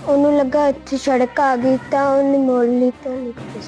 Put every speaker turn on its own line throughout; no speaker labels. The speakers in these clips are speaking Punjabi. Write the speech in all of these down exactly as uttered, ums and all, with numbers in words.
ਉਹਨੂੰ ਲੱਗਾ ਇੱਥੇ ਸੜਕ ਆ ਗਈ ਤਾਂ ਉਹਨੇ ਮੋੜ ਲਈ ਤਾਂ ਨਿਕਲ ਗਈ।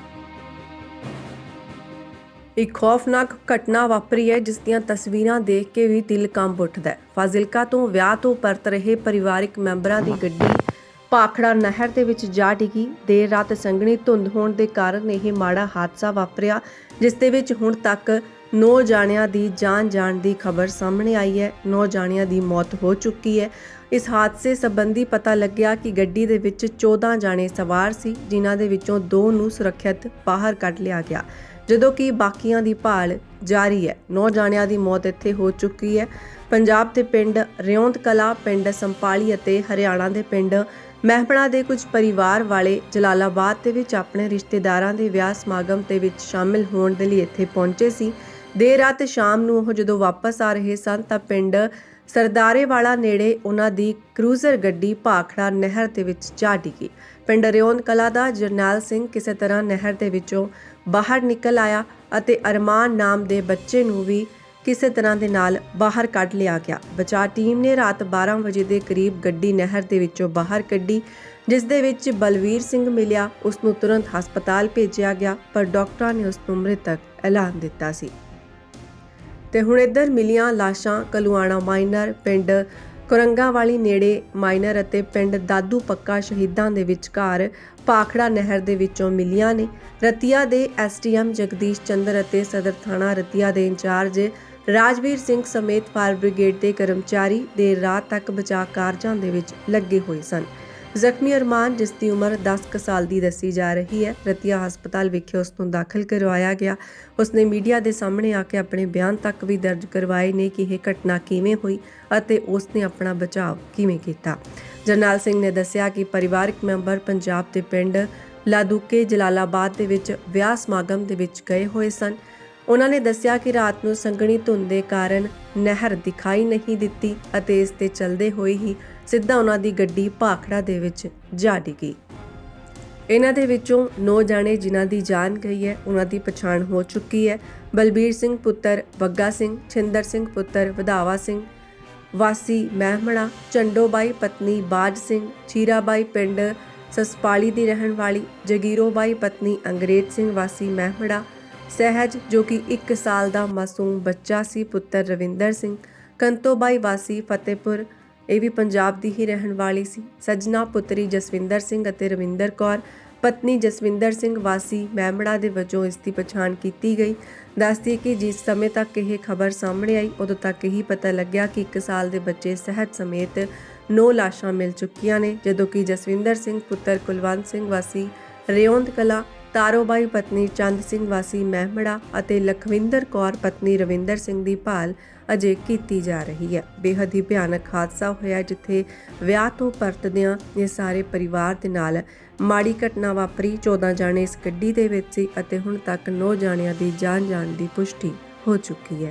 ਇੱਕ ਖੌਫਨਾਕ ਘਟਨਾ ਵਾਪਰੀ ਹੈ ਜਿਸ ਦੀਆਂ ਤਸਵੀਰਾਂ ਦੇਖ ਕੇ ਵੀ ਦਿਲ ਕੰਬ ਉੱਠਦਾ ਹੈ। ਫਾਜ਼ਿਲਕਾ ਤੋਂ ਵਿਆਹ ਤੋਂ ਪਰਤ ਰਹੇ ਪਰਿਵਾਰਕ ਮੈਂਬਰਾਂ ਦੀ ਗੱਡੀ ਭਾਖੜਾ ਨਹਿਰ ਦੇ ਵਿੱਚ ਜਾ ਡਿੱਗੀ। ਦੇਰ ਰਾਤ ਸੰਘਣੀ ਧੁੰਦ ਹੋਣ ਦੇ ਕਾਰਨ ਇਹ ਮਾੜਾ ਹਾਦਸਾ ਵਾਪਰਿਆ, ਜਿਸ ਦੇ ਵਿੱਚ ਹੁਣ ਤੱਕ ਨੌ ਜਾਣਿਆਂ ਦੀ ਜਾਨ ਜਾਣ ਦੀ ਖਬਰ ਸਾਹਮਣੇ ਆਈ ਹੈ। ਨੌ ਜਾਣਿਆਂ ਦੀ ਮੌਤ ਹੋ ਚੁੱਕੀ ਹੈ। ਇਸ ਹਾਦਸੇ ਸੰਬੰਧੀ ਪਤਾ ਲੱਗਿਆ ਕਿ ਗੱਡੀ ਦੇ ਵਿੱਚ ਚੌਦਾਂ ਜਾਣੇ ਸਵਾਰ ਸੀ, ਜਿਨ੍ਹਾਂ ਦੇ ਵਿੱਚੋਂ ਦੋ ਨੂੰ ਸੁਰੱਖਿਅਤ ਬਾਹਰ ਕੱਢ ਲਿਆ ਗਿਆ, ਜਦੋਂ ਕਿ ਬਾਕੀਆਂ ਦੀ ਭਾਲ ਜਾਰੀ ਹੈ। ਨੌ ਜਾਣਿਆਂ ਦੀ ਮੌਤ ਇੱਥੇ ਹੋ ਚੁੱਕੀ ਹੈ। ਪੰਜਾਬ ਦੇ ਪਿੰਡ ਰਿਉਂਦ ਕਲਾ, ਪਿੰਡ ਸੰਪਾਲੀ ਅਤੇ ਹਰਿਆਣਾ ਦੇ ਪਿੰਡ ਮਹਿਪਣਾ ਦੇ ਕੁਝ ਪਰਿਵਾਰ ਵਾਲੇ ਜਲਾਲਾਬਾਦ ਦੇ ਵਿੱਚ ਆਪਣੇ ਰਿਸ਼ਤੇਦਾਰਾਂ ਦੇ ਵਿਆਹ ਸਮਾਗਮ ਦੇ ਵਿੱਚ ਸ਼ਾਮਿਲ ਹੋਣ ਦੇ ਲਈ ਇੱਥੇ ਪਹੁੰਚੇ ਸੀ। ਦੇਰ ਰਾਤ ਸ਼ਾਮ ਨੂੰ ਉਹ ਜਦੋਂ ਵਾਪਸ ਆ ਰਹੇ ਸਨ ਤਾਂ ਪਿੰਡ ਸਰਦਾਰੇਵਾਲਾ ਨੇੜੇ ਉਹਨਾਂ ਦੀ ਕਰੂਜ਼ਰ ਗੱਡੀ ਭਾਖੜਾ ਨਹਿਰ ਦੇ ਵਿੱਚ ਜਾ ਡਿੱਗੀ। ਪਿੰਡ ਰਿਉਂਦ ਕਲਾ ਦਾ ਜਰਨੈਲ ਸਿੰਘ ਕਿਸੇ ਤਰ੍ਹਾਂ ਨਹਿਰ ਦੇ ਵਿੱਚੋਂ ਬਾਹਰ ਨਿਕਲ ਆਇਆ ਅਤੇ ਅਰਮਾਨ ਨਾਮ ਦੇ ਬੱਚੇ ਨੂੰ ਵੀ ਕਿਸੇ ਤਰ੍ਹਾਂ ਦੇ ਨਾਲ ਬਾਹਰ ਕੱਢ ਲਿਆ ਗਿਆ। ਬਚਾਅ ਟੀਮ ਨੇ ਰਾਤ ਬਾਰਾਂ ਵਜੇ ਦੇ ਕਰੀਬ ਗੱਡੀ ਨਹਿਰ ਦੇ ਵਿੱਚੋਂ ਬਾਹਰ ਕੱਢੀ, ਜਿਸ ਦੇ ਵਿੱਚ ਬਲਵੀਰ ਸਿੰਘ ਮਿਲਿਆ। ਉਸ ਨੂੰ ਤੁਰੰਤ ਹਸਪਤਾਲ ਭੇਜਿਆ ਗਿਆ, ਪਰ ਡਾਕਟਰਾਂ ਨੇ ਉਸ ਨੂੰ ਮ੍ਰਿਤਕ ਐਲਾਨ ਦਿੱਤਾ ਸੀ। ਤੇ ਹੁਣ ਇੱਧਰ ਮਿਲੀਆਂ ਲਾਸ਼ਾਂ ਕਲੂਆਣਾ ਮਾਈਨਰ, ਪਿੰਡ ਕੁਰੰਗਾ ਵਾਲੀ ਨੇੜੇ ਮਾਈਨਰ ਅਤੇ ਪਿੰਡ ਦਾਦੂ ਪੱਕਾ ਸ਼ਹੀਦਾਂ ਦੇ ਵਿਚਕਾਰ ਭਾਖੜਾ ਨਹਿਰ ਦੇ ਵਿੱਚੋਂ ਮਿਲੀਆਂ ਨੇ। ਰਤੀਆ ਦੇ S T M Jagdish Chander ਅਤੇ ਸਦਰ ਥਾਣਾ ਰਤੀਆ ਦੇ ਇੰਚਾਰਜ ਰਾਜਵੀਰ ਸਿੰਘ ਸਮੇਤ ਫਾਇਰ ਬ੍ਰਿਗੇਡ ਦੇ ਕਰਮਚਾਰੀ ਦੇਰ ਰਾਤ ਤੱਕ ਬਚਾਅ ਕਾਰਜਾਂ ਦੇ ਵਿੱਚ ਲੱਗੇ ਹੋਏ ਸਨ। ਜ਼ਖਮੀ ਅਰਮਾਨ, ਜਿਸ ਦੀ ਉਮਰ ਦਸ ਕੁ ਸਾਲ ਦੀ ਦੱਸੀ ਜਾ ਰਹੀ ਹੈ, ਰਤੀਆ ਹਸਪਤਾਲ ਵਿਖੇ ਉਸ ਨੂੰ ਦਾਖਲ ਕਰਵਾਇਆ ਗਿਆ। ਉਸਨੇ ਮੀਡੀਆ ਦੇ ਸਾਹਮਣੇ ਆ ਕੇ ਆਪਣੇ ਬਿਆਨ ਤੱਕ ਵੀ ਦਰਜ ਕਰਵਾਏ ਨੇ ਕਿ ਇਹ ਘਟਨਾ ਕਿਵੇਂ ਹੋਈ ਅਤੇ ਉਸਨੇ ਆਪਣਾ ਬਚਾਅ ਕਿਵੇਂ ਕੀਤਾ। ਜਰਨੈਲ ਸਿੰਘ ਨੇ ਦੱਸਿਆ ਕਿ ਪਰਿਵਾਰਕ ਮੈਂਬਰ ਪੰਜਾਬ ਦੇ ਪਿੰਡ ਲਾਦੂਕੇ ਜਲਾਲਾਬਾਦ ਦੇ ਵਿੱਚ ਵਿਆਹ ਸਮਾਗਮ ਦੇ ਵਿੱਚ ਗਏ ਹੋਏ ਸਨ। ਉਹਨਾਂ ਨੇ ਦੱਸਿਆ ਕਿ ਰਾਤ ਨੂੰ ਸੰਘਣੀ ਧੁੰਦ ਦੇ ਕਾਰਨ ਨਹਿਰ ਦਿਖਾਈ ਨਹੀਂ ਦਿੱਤੀ ਅਤੇ ਇਸ ਤੇ ਚੱਲਦੇ ਹੋਏ ਹੀ ਸਿੱਧਾ ਉਹਨਾਂ ਦੀ ਗੱਡੀ ਭਾਖੜਾ ਦੇ ਵਿੱਚ ਜਾ ਡਿੱਗੀ। ਇਹਨਾਂ ਦੇ ਵਿੱਚੋਂ ਨੌ ਜਾਣੇ ਜਿਨ੍ਹਾਂ ਦੀ ਜਾਨ ਗਈ ਹੈ, ਉਹਨਾਂ ਦੀ ਪਛਾਣ ਹੋ ਚੁੱਕੀ ਹੈ। ਬਲਬੀਰ ਸਿੰਘ ਪੁੱਤਰ ਬੱਗਾ ਸਿੰਘ, ਛਿੰਦਰ ਸਿੰਘ ਪੁੱਤਰ ਵਧਾਵਾ ਸਿੰਘ ਵਾਸੀ ਮਹਿਮਣਾ, ਚੰਡੋਬਾਈ ਪਤਨੀ ਬਾਜ ਸਿੰਘ, ਚੀਰਾਬਾਈ ਪਿੰਡ ਸਸਪਾਲੀ ਦੀ ਰਹਿਣ ਵਾਲੀ, ਜਗੀਰੋਬਾਈ ਪਤਨੀ ਅੰਗਰੇਜ਼ ਸਿੰਘ ਵਾਸੀ ਮਹਿਮੜਾ, ਸਹਿਜ ਜੋ ਕਿ ਇੱਕ ਸਾਲ ਦਾ ਮਾਸੂਮ ਬੱਚਾ ਸੀ ਪੁੱਤਰ ਰਵਿੰਦਰ ਸਿੰਘ, ਕੰਤੋਬਾਈ ਵਾਸੀ ਫਤਿਹਪੁਰ, ਇਹ ਵੀ ਪੰਜਾਬ ਦੀ ਹੀ ਰਹਿਣ ਵਾਲੀ ਸੀ, ਸਜਣਾ ਪੁੱਤਰੀ ਜਸਵਿੰਦਰ ਸਿੰਘ ਅਤੇ ਰਵਿੰਦਰ ਕੌਰ ਪਤਨੀ ਜਸਵਿੰਦਰ ਸਿੰਘ ਵਾਸੀ ਮਹਿਮੜਾ ਦੇ ਵਜੋਂ ਇਸ ਦੀ ਪਛਾਣ ਕੀਤੀ ਗਈ। ਦੱਸਦੀ ਕਿ ਜਿਸ ਸਮੇਂ ਤੱਕ ਇਹ ਖਬਰ ਸਾਹਮਣੇ ਆਈ ਉਦੋਂ ਤੱਕ ਹੀ ਪਤਾ ਲੱਗਿਆ ਕਿ ਇੱਕ ਸਾਲ ਦੇ ਬੱਚੇ ਸਹਿਜ ਸਮੇਤ ਨੌ ਲਾਸ਼ਾਂ ਮਿਲ ਚੁੱਕੀਆਂ ਨੇ, ਜਦੋਂ ਕਿ ਜਸਵਿੰਦਰ ਸਿੰਘ ਪੁੱਤਰ ਕੁਲਵੰਤ ਸਿੰਘ ਵਾਸੀ ਰਿਉਂਦ ਕਲਾ, ਤਾਰੋਬਾਈ ਪਤਨੀ ਚੰਦ ਸਿੰਘ ਵਾਸੀ ਮਹਿਮੜਾ ਅਤੇ ਲਖਵਿੰਦਰ ਕੌਰ ਪਤਨੀ ਰਵਿੰਦਰ ਸਿੰਘ ਦੀ ਭਾਲ ਅਜੇ ਕੀਤੀ ਜਾ ਰਹੀ ਹੈ। ਬੇਹੱਦ ਹੀ ਭਿਆਨਕ ਹਾਦਸਾ ਹੋਇਆ ਜਿੱਥੇ ਵਿਆਹ ਤੋਂ ਪਰਤਦਿਆਂ ਇਹ ਸਾਰੇ ਪਰਿਵਾਰ ਦੇ ਨਾਲ ਮਾੜੀ ਘਟਨਾ ਵਾਪਰੀ। ਚੌਦਾਂ ਜਾਣੇ ਇਸ ਗੱਡੀ ਦੇ ਵਿੱਚ ਸੀ ਅਤੇ ਹੁਣ ਤੱਕ ਨੌ ਜਾਣਿਆਂ ਦੀ ਜਾਨ ਜਾਣ ਦੀ ਪੁਸ਼ਟੀ ਹੋ ਚੁੱਕੀ ਹੈ।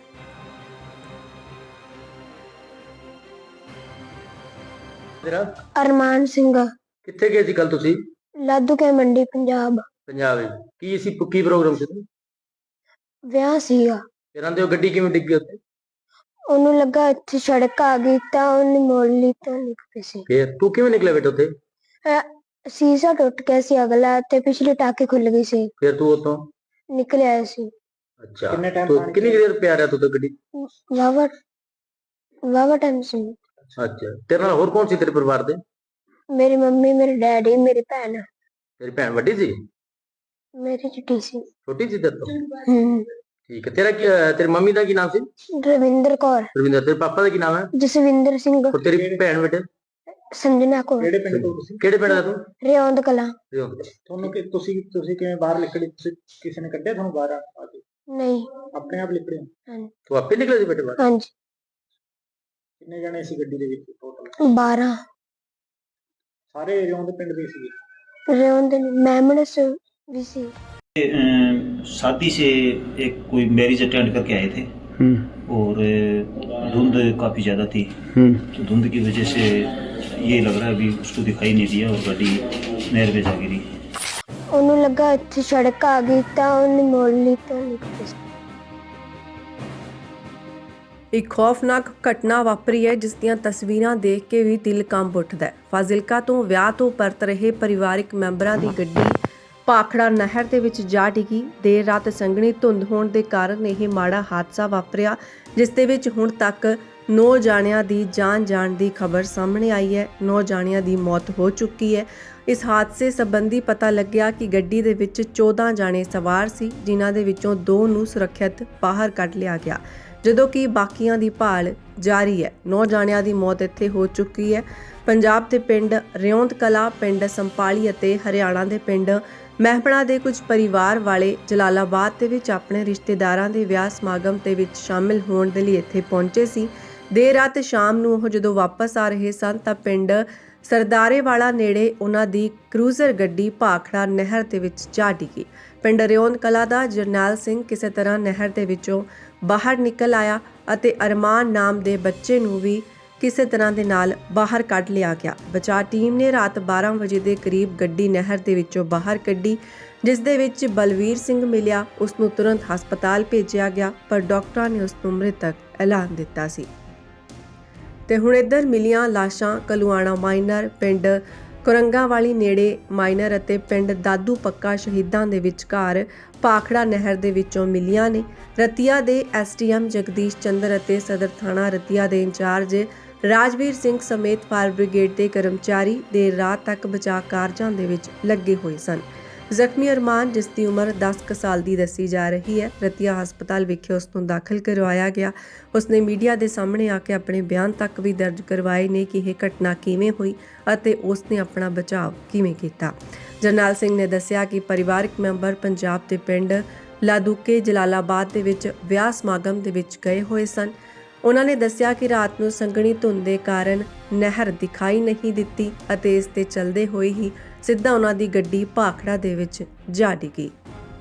ਤੇਰਾ
ਅਰਮਾਨ ਸਿੰਘ,
ਕਿੱਥੇ ਗਏ ਸੀ ਕੱਲ ਤੁਸੀਂ?
ਲਾਦੂਕੇ ਮੰਡੀ ਪੰਜਾਬ।
ਪੰਜਾਬ ਵਿੱਚ ਕੀ ਸੀ, ਕੀ ਪ੍ਰੋਗਰਾਮ ਸੀ?
ਵਿਆਹ ਸੀਗਾ।
ਤੇ ਰਹਿੰਦੇ ਹੋ ਗੱਡੀ ਕਿਵੇਂ ਡਿੱਗੀ ਉੱਥੇ?
ਉਹਨੂੰ ਲੱਗਾ ਇੱਥੇ ਸੜਕ ਆ ਗਈ ਤਾਂ ਉਹਨੇ ਮੋੜ ਲਈ ਤਾਂ ਨਿਕਲ ਗਈ ਸੀ।
ਫੇਰ ਤੂੰ ਕਿਵੇਂ ਨਿਕਲਿਆ ਬੇਟਾ ਉੱਥੇ?
ਅਹ ਸ਼ੀਸ਼ਾ ਟੁੱਟ ਗਿਆ ਸੀ ਅਗਲਾ ਤੇ ਪਿਛਲੀ ਟਾਕੀ ਖੁੱਲ ਗਈ ਸੀ,
ਫੇਰ ਤੂੰ ਉੱਥੋਂ
ਨਿਕਲ ਆਇਆ ਸੀ।
ਅੱਛਾ, ਤੂੰ ਕਿੰਨੀ ਦੇਰ ਪਿਆ ਰਿਹਾ ਤੂੰ ਉੱਥੇ ਗੱਡੀ?
ਵਾਵਾ ਵਾਵਾ ਟਾਈਮ ਸੀ।
ਅੱਛਾ, ਤੇਰੇ ਨਾਲ ਹੋਰ ਕੌਣ ਸੀ ਤੇਰੇ ਪਰਿਵਾਰ ਦੇ?
ਮੇਰੀ ਮੰਮੀ, ਮੇਰੇ ਡੈਡੀ, ਮੇਰੀ ਭੈਣ।
ਤੇਰੀ ਭੈਣ ਵੱਡੀ ਸੀ?
ਮੇਰੀ ਛੋਟੀ ਸੀ।
ਛੋਟੀ ਸੀ ਤੇਰੇ ਤੋਂ?
ਹੂੰ।
ਠੀਕ ਹੈ। ਤੇਰਾ ਕੀ ਤੇਰੀ ਮੰਮੀ ਦਾ ਕੀ ਨਾਮ ਸੀ?
ਰਵਿੰਦਰ ਕੌਰ।
ਰਵਿੰਦਰ। ਤੇਰੇ ਪਾਪਾ ਦਾ ਕੀ ਨਾਮ ਹੈ?
ਜਸਵਿੰਦਰ ਸਿੰਘ।
ਔਰ ਤੇਰੀ ਭੈਣ ਬੇਟੇ?
ਸੰਜਨਾ ਕੌਰ।
ਕਿਹੜੇ ਪਿੰਡ ਤੋਂ ਤੁਸੀਂ? ਕਿਹੜੇ ਪਿੰਡ ਦਾ ਤੂੰ?
ਰਿਉਂਦ ਕਲਾਂ।
ਰਿਉਂਦ।
ਤੁਹਾਨੂੰ ਕਿ ਤੁਸੀਂ ਤੁਸੀਂ ਕਿਵੇਂ ਬਾਹਰ ਨਿਕਲੇ? ਤੁਸੀਂ ਕਿਸੇ ਨੇ ਕੱਢਿਆ ਤੁਹਾਨੂੰ ਬਾਹਰ ਆ ਕੇ?
ਨਹੀਂ,
ਆਪਣੇ ਆਪ ਨਿਕਲੇ?
ਹਾਂਜੀ।
ਤੂੰ ਆਪੇ ਨਿਕਲਿਆ ਸੀ ਬੇਟੇ ਬਾਹਰ?
ਹਾਂਜੀ।
ਕਿੰਨੇ ਜਣੇ ਸੀ ਗੱਡੀ ਦੇ ਵਿੱਚ ਟੋਟਲ?
ਬਾਰਾਂ।
ਸਾਰੇ ਰਿਉਂਦ ਪਿੰਡ ਦੇ ਸੀਗੇ?
रियोन मेमने से भी सी।
शादी से एक कोई मैरिज अटेंड करके आए थे और धुंध काफ़ी ज़्यादा थी, तो धुंध की वजह से ये लग रहा है अभी उसको दिखाई नहीं दिया और गाड़ी नहर में जा गिरी।
उन्होंने लगा इतनी सड़क आ गई तो उन्हें मोड़ ली तो निकल गई।
ਇੱਕ ਖੌਫਨਾਕ ਘਟਨਾ ਵਾਪਰੀ ਹੈ ਜਿਸ ਦੀਆਂ ਤਸਵੀਰਾਂ ਦੇਖ ਕੇ ਵੀ ਦਿਲ ਕੰਬ ਉੱਠਦਾ ਹੈ। ਫਾਜ਼ਿਲਕਾ ਤੋਂ ਵਿਆਹ ਤੋਂ ਪਰਤ ਰਹੇ ਪਰਿਵਾਰਕ ਮੈਂਬਰਾਂ ਦੀ ਗੱਡੀ ਭਾਖੜਾ ਨਹਿਰ ਦੇ ਵਿੱਚ ਜਾ ਡਿੱਗੀ। ਦੇਰ ਰਾਤ ਸੰਘਣੀ ਧੁੰਦ ਹੋਣ ਦੇ ਕਾਰਨ ਇਹ ਮਾੜਾ ਹਾਦਸਾ ਵਾਪਰਿਆ, ਜਿਸ ਦੇ ਵਿੱਚ ਹੁਣ ਤੱਕ ਨੌ ਜਾਣਿਆਂ ਦੀ ਜਾਨ ਜਾਣ ਦੀ ਖਬਰ ਸਾਹਮਣੇ ਆਈ ਹੈ। ਨੌ ਜਾਣਿਆਂ ਦੀ ਮੌਤ ਹੋ ਚੁੱਕੀ ਹੈ। ਇਸ ਹਾਦਸੇ ਸੰਬੰਧੀ ਪਤਾ ਲੱਗਿਆ ਕਿ ਗੱਡੀ ਦੇ ਵਿੱਚ ਚੌਦਾਂ ਜਾਣੇ ਸਵਾਰ ਸੀ, ਜਿਨ੍ਹਾਂ ਦੇ ਵਿੱਚੋਂ ਦੋ ਨੂੰ ਸੁਰੱਖਿਅਤ ਬਾਹਰ ਕੱਢ ਲਿਆ ਗਿਆ, ਜਦੋਂ ਕਿ ਬਾਕੀਆਂ ਦੀ ਭਾਲ ਜਾਰੀ ਹੈ। ਨੌ ਜਾਣਿਆਂ ਦੀ ਮੌਤ ਇੱਥੇ ਹੋ ਚੁੱਕੀ ਹੈ। ਪੰਜਾਬ ਦੇ ਪਿੰਡ ਰਿਉਂਦ ਕਲਾ, ਪਿੰਡ ਸੰਪਾਲੀ ਅਤੇ ਹਰਿਆਣਾ ਦੇ ਪਿੰਡ ਮਹਿਪਣਾ ਦੇ ਕੁਝ ਪਰਿਵਾਰ ਵਾਲੇ ਜਲਾਲਾਬਾਦ ਦੇ ਵਿੱਚ ਆਪਣੇ ਰਿਸ਼ਤੇਦਾਰਾਂ ਦੇ ਵਿਆਹ ਸਮਾਗਮ ਦੇ ਵਿੱਚ ਸ਼ਾਮਿਲ ਹੋਣ ਦੇ ਲਈ ਇੱਥੇ ਪਹੁੰਚੇ ਸੀ। ਦੇਰ ਰਾਤ ਸ਼ਾਮ ਨੂੰ ਉਹ ਜਦੋਂ ਵਾਪਸ ਆ ਰਹੇ ਸਨ ਤਾਂ ਪਿੰਡ ਸਰਦਾਰੇਵਾਲਾ ਨੇੜੇ ਉਹਨਾਂ ਦੀ ਕਰੂਜ਼ਰ ਗੱਡੀ ਭਾਖੜਾ ਨਹਿਰ ਦੇ ਵਿੱਚ ਜਾ ਡਿੱਗੀ। ਪਿੰਡ ਰਿਉਂਦ ਕਲਾ ਦਾ ਜਰਨੈਲ ਸਿੰਘ ਕਿਸੇ ਤਰ੍ਹਾਂ ਨਹਿਰ ਦੇ ਵਿੱਚੋਂ ਬਾਹਰ ਨਿਕਲ ਆਇਆ ਅਤੇ ਅਰਮਾਨ ਨਾਮ ਦੇ ਬੱਚੇ ਨੂੰ ਵੀ ਕਿਸੇ ਤਰ੍ਹਾਂ ਦੇ ਨਾਲ ਬਾਹਰ ਕੱਢ ਲਿਆ ਗਿਆ। ਬਚਾਅ ਟੀਮ ਨੇ ਰਾਤ ਬਾਰਾਂ ਵਜੇ ਦੇ ਕਰੀਬ ਗੱਡੀ ਨਹਿਰ ਦੇ ਵਿੱਚੋਂ ਬਾਹਰ ਕੱਢੀ, ਜਿਸ ਦੇ ਵਿੱਚ ਬਲਵੀਰ ਸਿੰਘ ਮਿਲਿਆ। ਉਸ ਨੂੰ ਤੁਰੰਤ ਹਸਪਤਾਲ ਭੇਜਿਆ ਗਿਆ, ਪਰ ਡਾਕਟਰਾਂ ਨੇ ਉਸ ਨੂੰ ਮ੍ਰਿਤਕ ਐਲਾਨ ਦਿੱਤਾ ਸੀ। ਤੇ ਹੁਣ ਇੱਧਰ ਮਿਲੀਆਂ ਲਾਸ਼ਾਂ ਕਲੂਆਣਾ ਮਾਈਨਰ, ਪਿੰਡ ਕੁਰੰਗਾ ਵਾਲੀ ਨੇੜੇ ਮਾਈਨਰ ਅਤੇ ਪਿੰਡ ਦਾਦੂ ਪੱਕਾ ਸ਼ਹੀਦਾਂ ਦੇ ਵਿਚਕਾਰ ਭਾਖੜਾ ਨਹਿਰ ਦੇ ਵਿੱਚੋਂ ਮਿਲੀਆਂ ਨੇ। ਰਤੀਆ ਦੇ ਐਸਟੀਐਮ ਜਗਦੀਸ਼ ਚੰਦਰ ਅਤੇ ਸਦਰ ਥਾਣਾ ਰਤੀਆ ਦੇ ਇੰਚਾਰਜ ਰਾਜਵੀਰ ਸਿੰਘ ਸਮੇਤ ਫਾਇਰ ਬ੍ਰਿਗੇਡ ਦੇ ਕਰਮਚਾਰੀ ਦੇਰ ਰਾਤ ਤੱਕ ਬਚਾਅ ਕਾਰਜਾਂ ਦੇ ਵਿੱਚ ਲੱਗੇ ਹੋਏ ਸਨ। ਜ਼ਖਮੀ ਅਰਮਾਨ, ਜਿਸ ਦੀ ਉਮਰ ਦਸ ਕੁ ਸਾਲ ਦੀ ਦੱਸੀ ਜਾ ਰਹੀ ਹੈ, ਰਤੀਆ ਹਸਪਤਾਲ ਵਿਖੇ ਉਸ ਨੂੰ ਦਾਖਲ ਕਰਵਾਇਆ ਗਿਆ। ਉਸਨੇ ਮੀਡੀਆ ਦੇ ਸਾਹਮਣੇ ਆ ਕੇ ਆਪਣੇ ਬਿਆਨ ਤੱਕ ਵੀ ਦਰਜ ਕਰਵਾਏ ਨੇ ਕਿ ਇਹ ਘਟਨਾ ਕਿਵੇਂ ਹੋਈ ਅਤੇ ਉਸਨੇ ਆਪਣਾ ਬਚਾਅ ਕਿਵੇਂ ਕੀਤਾ। ਜਰਨੈਲ ਸਿੰਘ ਨੇ ਦੱਸਿਆ ਕਿ ਪਰਿਵਾਰਕ ਮੈਂਬਰ ਪੰਜਾਬ ਦੇ ਪਿੰਡ ਲਾਦੂਕੇ ਜਲਾਲਾਬਾਦ ਦੇ ਵਿੱਚ ਵਿਆਹ ਸਮਾਗਮ ਦੇ ਵਿੱਚ ਗਏ ਹੋਏ ਸਨ। ਉਹਨਾਂ ਨੇ ਦੱਸਿਆ ਕਿ ਰਾਤ ਨੂੰ ਸੰਘਣੀ ਧੁੰਦ ਦੇ ਕਾਰਨ ਨਹਿਰ ਦਿਖਾਈ ਨਹੀਂ ਦਿੱਤੀ ਅਤੇ ਇਸ ਤੇ ਚੱਲਦੇ ਹੋਏ ਹੀ ਸਿੱਧਾ ਉਹਨਾਂ ਦੀ ਗੱਡੀ ਭਾਖੜਾ ਦੇ ਵਿੱਚ ਜਾ ਡਿੱਗੀ।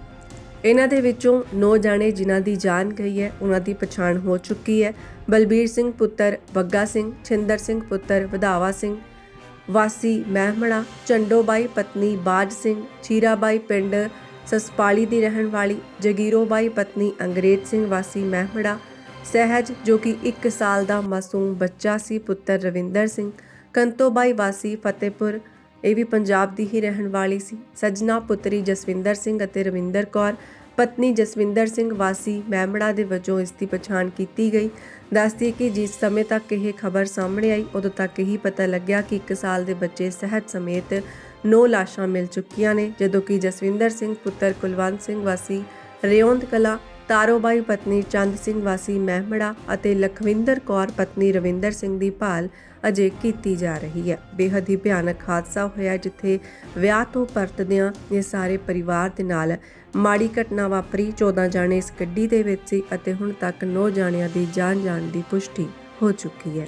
ਇਹਨਾਂ ਦੇ ਵਿੱਚੋਂ ਨੌ ਜਾਣੇ ਜਿਨ੍ਹਾਂ ਦੀ ਜਾਨ ਗਈ ਹੈ, ਉਹਨਾਂ ਦੀ ਪਛਾਣ ਹੋ ਚੁੱਕੀ ਹੈ। ਬਲਬੀਰ ਸਿੰਘ ਪੁੱਤਰ ਬੱਗਾ ਸਿੰਘ, ਛਿੰਦਰ ਸਿੰਘ ਪੁੱਤਰ ਵਧਾਵਾ ਸਿੰਘ ਵਾਸੀ ਮਹਿਮਣਾ, ਚੰਡੋਬਾਈ ਪਤਨੀ ਬਾਜ ਸਿੰਘ, ਚੀਰਾਬਾਈ ਪਿੰਡ ਸਸਪਾਲੀ ਦੀ ਰਹਿਣ ਵਾਲੀ, ਜਗੀਰੋਬਾਈ ਪਤਨੀ ਅੰਗਰੇਜ਼ ਸਿੰਘ ਵਾਸੀ ਮਹਿਮੜਾ, ਸਹਿਜ ਜੋ ਕਿ ਇੱਕ ਸਾਲ ਦਾ ਮਾਸੂਮ ਬੱਚਾ ਸੀ ਪੁੱਤਰ ਰਵਿੰਦਰ ਸਿੰਘ, ਕੰਤੋਬਾਈ ਵਾਸੀ ਫਤਿਹਪੁਰ, ਇਹ ਵੀ ਪੰਜਾਬ ਦੀ ਹੀ ਰਹਿਣ ਵਾਲੀ ਸੀ, ਸਜਣਾ ਪੁੱਤਰੀ ਜਸਵਿੰਦਰ ਸਿੰਘ ਅਤੇ ਰਵਿੰਦਰ ਕੌਰ ਪਤਨੀ ਜਸਵਿੰਦਰ ਸਿੰਘ ਵਾਸੀ ਮਹਿਮੜਾ ਦੇ ਵਜੋਂ ਇਸ ਦੀ ਪਛਾਣ ਕੀਤੀ ਗਈ। ਦੱਸਦੀ ਕਿ ਜਿਸ ਸਮੇਂ ਤੱਕ ਇਹ ਖਬਰ ਸਾਹਮਣੇ ਆਈ ਉਦੋਂ ਤੱਕ ਹੀ ਪਤਾ ਲੱਗਿਆ ਕਿ ਇੱਕ ਸਾਲ ਦੇ ਬੱਚੇ ਸਹਿਜ ਸਮੇਤ ਨੌ ਲਾਸ਼ਾਂ ਮਿਲ ਚੁੱਕੀਆਂ ਨੇ, ਜਦੋਂ ਕਿ ਜਸਵਿੰਦਰ ਸਿੰਘ ਪੁੱਤਰ ਕੁਲਵੰਤ ਸਿੰਘ ਵਾਸੀ ਰਿਉਂਦ ਕਲਾ, ਤਾਰੋਬਾਈ ਪਤਨੀ ਚੰਦ ਸਿੰਘ ਵਾਸੀ ਮਹਿਮੜਾ ਅਤੇ ਲਖਵਿੰਦਰ ਕੌਰ ਪਤਨੀ ਰਵਿੰਦਰ ਸਿੰਘ ਦੀ ਭਾਲ ਅਜੇ ਕੀਤੀ ਜਾ ਰਹੀ ਹੈ। ਬੇਹੱਦ ਹੀ ਭਿਆਨਕ ਹਾਦਸਾ ਹੋਇਆ ਜਿੱਥੇ ਵਿਆਹ ਤੋਂ ਪਰਤਦਿਆਂ ਇਹ ਸਾਰੇ ਪਰਿਵਾਰ ਦੇ ਨਾਲ ਮਾੜੀ ਘਟਨਾ ਵਾਪਰੀ। ਚੌਦਾਂ ਜਾਣੇ ਇਸ ਗੱਡੀ ਦੇ ਵਿੱਚ ਸੀ ਅਤੇ ਹੁਣ ਤੱਕ ਨੌ ਜਾਣਿਆਂ ਦੀ ਜਾਨ ਜਾਣ ਦੀ ਪੁਸ਼ਟੀ ਹੋ ਚੁੱਕੀ ਹੈ।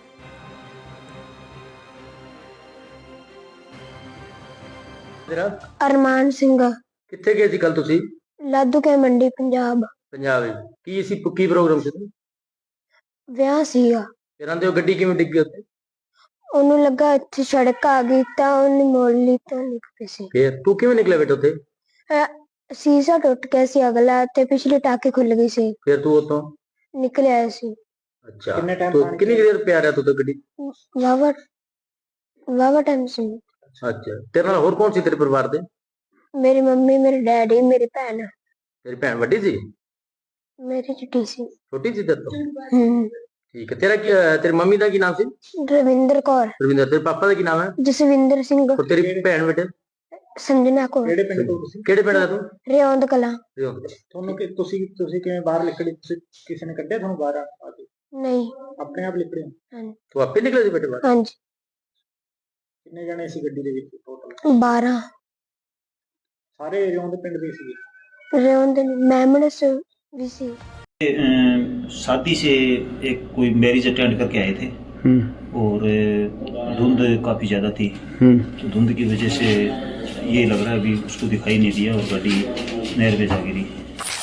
ਤੇਰਾ
ਅਰਮਾਨ ਸਿੰਘ,
ਕਿੱਥੇ ਗਏ ਸੀ ਕੱਲ ਤੁਸੀਂ?
ਲਾਦੂਕੇ ਮੰਡੀ ਪੰਜਾਬ।
ਪੰਜਾਬ ਵਿੱਚ ਕੀ ਸੀ, ਕੀ ਪ੍ਰੋਗਰਾਮ ਸੀ?
ਵਿਆਹ ਸੀਗਾ।
ਤੇਰਾਂ ਦੇ ਉਹ ਗੱਡੀ ਕਿਵੇਂ ਡਿੱਗੀ ਉੱਥੇ?
ਉਹਨੂੰ ਲੱਗਾ ਇੱਥੇ ਸੜਕ ਆ ਗਈ ਤਾਂ ਉਹਨੇ ਮੋੜ ਲਈ ਤਾਂ ਨਿਕਲ ਪਈ ਸੀ।
ਫੇਰ ਤੂੰ ਕਿਵੇਂ ਨਿਕਲਿਆ ਬੇਟਾ ਉੱਥੇ?
ਅਹ ਸ਼ੀਸ਼ਾ ਟੁੱਟ ਗਿਆ ਸੀ ਅਗਲਾ ਤੇ ਪਿਛਲੇ ਟਾਕੇ ਖੁੱਲ ਗਈ ਸੀ,
ਫੇਰ ਤੂੰ ਉੱਥੋਂ
ਨਿਕਲ ਆਇਆ ਸੀ।
ਅੱਛਾ,
ਕਿੰਨੇ time
ਤੂੰ
ਪਾਣੀ
ਕਿੰਨੀ ਕੁ ਦੇਰ ਪਿਆ ਰਿਹਾ ਤੂੰ ਤਾਂ ਗੱਡੀ?
ਵਾਵਾ ਵਾਵਾ ਟਾਈਮ ਸੀ।
ਅੱਛਾ, ਤੇਰੇ ਨਾਲ ਹੋਰ ਕੌਣ ਸੀ ਤੇਰੇ ਪਰਿਵਾਰ ਦੇ?
ਮੇਰੀ ਮੰਮੀ, ਮੇਰੇ ਡੈਡੀ, ਮੇਰੀ ਭੈਣ।
ਤੇਰੀ ਭੈਣ ਵੱਡੀ ਸੀ?
ਮੇਰੀ ਛੋਟੀ ਸੀ।
ਛੋਟੀ ਸੀ ਤੇਰੇ ਤੋਂ?
ਹੂੰ।
ਠੀਕ ਹੈ। ਤੇਰਾ ਕੀ ਤੇਰੀ ਮੰਮੀ ਦਾ ਕੀ ਨਾਮ ਸੀ?
ਰਵਿੰਦਰ ਕੌਰ।
ਰਵਿੰਦਰ। ਤੇਰੇ ਪਾਪਾ ਦਾ ਕੀ ਨਾਮ ਹੈ?
ਜਸਵਿੰਦਰ ਸਿੰਘ।
ਔਰ ਤੇਰੀ ਭੈਣ ਬੇਟੇ?
ਸੰਜਨਾ ਕੌਰ।
ਕਿਹੜੇ ਪਿੰਡ ਤੋਂ ਤੁਸੀਂ?
ਕਿਹੜੇ ਪਿੰਡ ਦਾ ਤੂੰ?
ਰਿਉਂਦ ਕਲਾਂ।
ਰਿਉਂਦ।
ਤੁਹਾਨੂੰ ਕਿ ਤੁਸੀਂ ਤੁਸੀਂ ਕਿਵੇਂ ਬਾਹਰ ਨਿਕਲੇ? ਤੁਸੀਂ ਕਿਸੇ ਨੇ ਕੱਢਿਆ ਤੁਹਾਨੂੰ ਬਾਹਰ ਆ ਕੇ?
ਨਹੀਂ।
ਆਪਣੇ ਆਪ ਨਿਕਲੇ?
ਹਾਂਜੀ।
ਤੂੰ ਆਪੇ ਨਿਕਲਿਆ ਸੀ ਬੇਟੇ ਬਾਹਰ?
ਹਾਂਜੀ।
ਕਿੰਨੇ ਜਣੇ ਸੀ ਗੱਡੀ ਦੇ ਵਿੱਚ ਟੋਟਲ?
ਬਾਰਾਂ।
ਸਾਰੇ ਏਰੀਆ ਦੇ ਪਿੰਡ ਦੇ ਸੀ?
ਰਿਉਂਦ ਮੈਮਣਸ भी सी।
शादी से एक कोई मैरिज अटेंड करके आए थे और धुंध काफ़ी ज़्यादा थी, तो धुंध की वजह से ये लग रहा है अभी उसको दिखाई नहीं दिया और गाड़ी नहर में जा गिरी।